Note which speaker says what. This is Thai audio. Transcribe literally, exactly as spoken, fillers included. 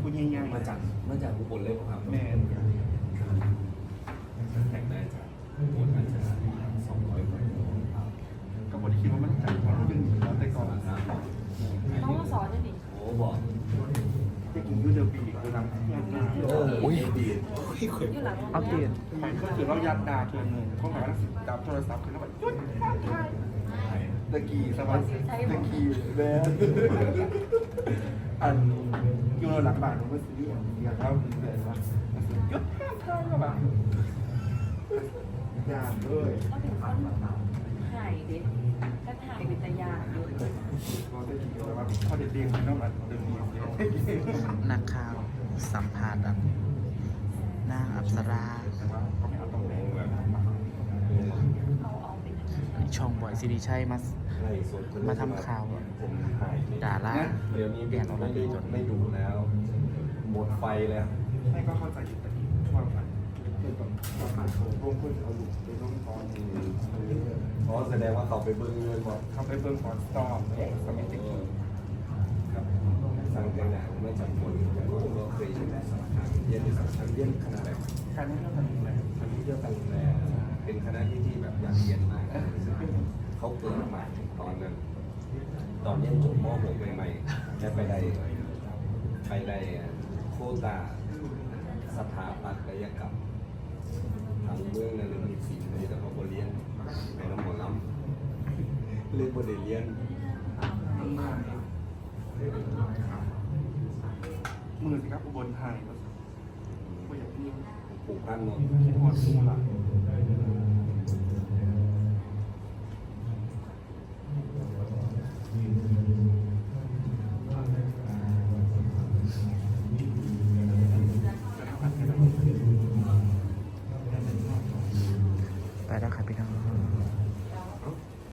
Speaker 1: ผู้ใหญ่ๆ
Speaker 2: มาจากมาจากอุบลเลยครับ
Speaker 1: แม่น
Speaker 2: แต่งได้จากอุบลอาจจะสองร้อยกว่า
Speaker 1: ก็บ่ได้คิดว่ามันจัดความรู้สึกแล้วแต่ก่อน
Speaker 3: ต้องมาสอนจะดิ
Speaker 2: โอ้บอก
Speaker 1: จะกินยูเดอร์บีคือทำยาดา
Speaker 2: โอ้ยดี
Speaker 3: อยู่หลัง
Speaker 4: เอาเตียน
Speaker 1: ใครก็คือเรายาดาเทือนหนึ่งเขาหมายว่าดับโทรศัพท์คือแล้วแบบยุดตะกี้สวัสดีตะกี้แม่อันอยู่หลังบ้านมันก็ซื้ออย่างเราเลยว่ายุดเท่ากับแบบยามด้วย
Speaker 3: ก็ถึงขั้นถ่ายเด็ดก็ถ่ายเป็นตายาอยู่
Speaker 1: เราได้กินแล้วว่าพอเด็กๆมันต้องแบบเดินดีเยอะ
Speaker 4: นักข่าวสัมภาษณ์อันนางอัปสรา
Speaker 1: แต่ว่าเขาไม่เอาตรงแรงแบบ
Speaker 3: เอาเอาเป็น
Speaker 4: ช่องบ่อยสิริชัยมา
Speaker 2: ไล่สด
Speaker 4: มาทำข่าว
Speaker 2: ผมถ่าย
Speaker 4: ด่าล่า
Speaker 2: เดี๋ยวนี้เป็นไม่ได้ไม่ดูแล้วหมดไฟแล้ว
Speaker 1: ให้ก็เข้าใจอยู่แต่ว่ามันเป็นแบบว่าผ่านโถร่วมเพื่อนเอาอยู่ในร่วมตอน
Speaker 2: เพราะแสดงว่าเขาไปเบิ้งเงินบอก
Speaker 1: เขาไปเบิ่งฟอนสตอมสมัยเด็ก
Speaker 2: ครับสั่งแต่งหน้าไม่จำคนผมก็เคยอยู่ในสถานเรียนในสถานเรียนคณะแบบ
Speaker 1: การไม่เท่ากันเลย
Speaker 2: คณะเที่ยวกันแลเป็นคณะที่ที่แบบอยากเรียนมากเขาเปิดใหม่ตอนนั้น ตอนเรียนจบม .หก ใหม่ๆจะไปได้ไปได้โควตาสถาปัตยกรรมทางเมืองนั่นเลยมีศิลป์เลยแต่เขาบเรียนในน้ำหมอลำเรียนบริเรียน
Speaker 1: มือสิครับอุบลไทยก็อย่างที่
Speaker 2: ปลูกพันธุ์เนาะ
Speaker 1: คิดว่ามูลละ
Speaker 4: ไปแล้วครับพี่น้อง